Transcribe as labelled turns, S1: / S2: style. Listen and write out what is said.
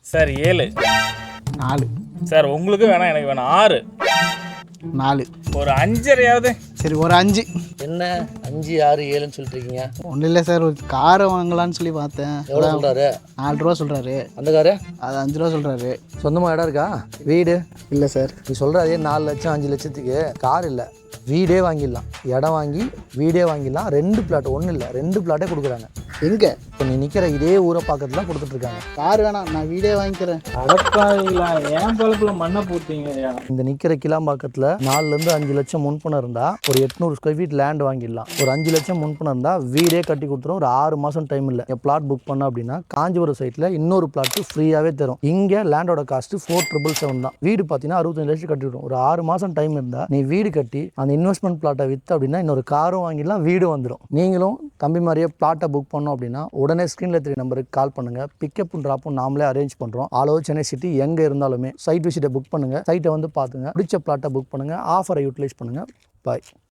S1: Sir 7.
S2: 4.
S1: Sir உங்களுக்கு வேணாம், எனக்கு வேணாம். 6.
S2: 4.
S1: ஒரு 5.5.
S2: சரி ஒரு 5.
S3: என்ன 5, 6, 7ன்னு சொல்லிட்டு இருக்கீங்க?
S2: ஒன்றும் இல்லை சார், ஒரு காரை வாங்கலான்னு சொல்லி பார்த்தேன்.
S3: எவ்வளோ சொல்கிறாரு?
S2: 4 ரூபா சொல்கிறாரு.
S3: அந்த காரு
S2: அது 5 ரூபா சொல்கிறாரு.
S3: சொந்தமாக இடம் இருக்கா? வீடு
S2: இல்லை சார்.
S3: நீ சொல்கிற அதே 4 லட்சம் 5 லட்சத்துக்கு கார் இல்லை, வீடே வாங்கிடலாம். இடம் வாங்கி வீடே வாங்கிடலாம். 2 பிளாட், ஒன்றும் இல்லை 2 பிளாட்டே கொடுக்குறாங்க.
S2: எங்கே?
S3: இப்போ நீ நிற்கிற இதே ஊரை பக்கத்துல தான் கொடுத்துட்ருக்காங்க.
S2: கார் வேணாம், நான் வீடே வாங்கிக்கிறேன்.
S1: அடப்பாவீங்களா, ஏன் பழப்புல மண்ணை போட்டீங்க?
S3: இந்த நிற்கிற கிளாம்பாக்கத்தில் 4லேருந்து 5 லட்சம் முன்பணம் இருந்தால் ஒரு 800 ஸ்கொயர் ஃபீட் லேண்ட் வாங்கிடலாம். ஒரு 5 லட்சம் முன்பணம் இருந்தால் வீடே கட்டி கொடுத்துரும். ஒரு 6 மாதம் டைம் இல்லை. என் பிளாட் புக் பண்ண அப்படின்னா காஞ்சிபுரம் சைட்டில் இன்னொரு பிளாட்டு ஃப்ரீயாகவே தரும். இங்கே லேண்டோட காஸ்ட்டு 4,777 தான். வீடு பார்த்தீங்கன்னா 65 லட்சம் கட்டி விடும். ஒரு 6 மாதம் டைம் இருந்தால் நீ வீடு கட்டி அந்த இன்வெஸ்ட்மெண்ட் பிளாட்டை விற்று அப்படின்னா இன்னொரு காரும் வாங்கிடலாம், வீடு வந்துடும். நீங்களும் தம்பி மாதிரியே பிளாட்டை புக் பண்ணோம் அப்படின்னா உடனே ஸ்க்ரீனில் 3 நம்பருக்கு கால் பண்ணுங்கள். பிக்கப்பும் ட்ராப்பும் நாமளே அரேஞ்ச் பண்ணுறோம். ஆல் ஓவர் சென்னை சிட்டி எங்கே இருந்தாலுமே சைட் விசிட்டை புக் பண்ணுங்கள். சைட்டை வந்து பார்த்துங்க. பிடிச்ச பிளாட்டை புக் பண்ணுங்கள். ஆஃபரை யூட்டிலைஸ் பண்ணுங்கள். பாய்.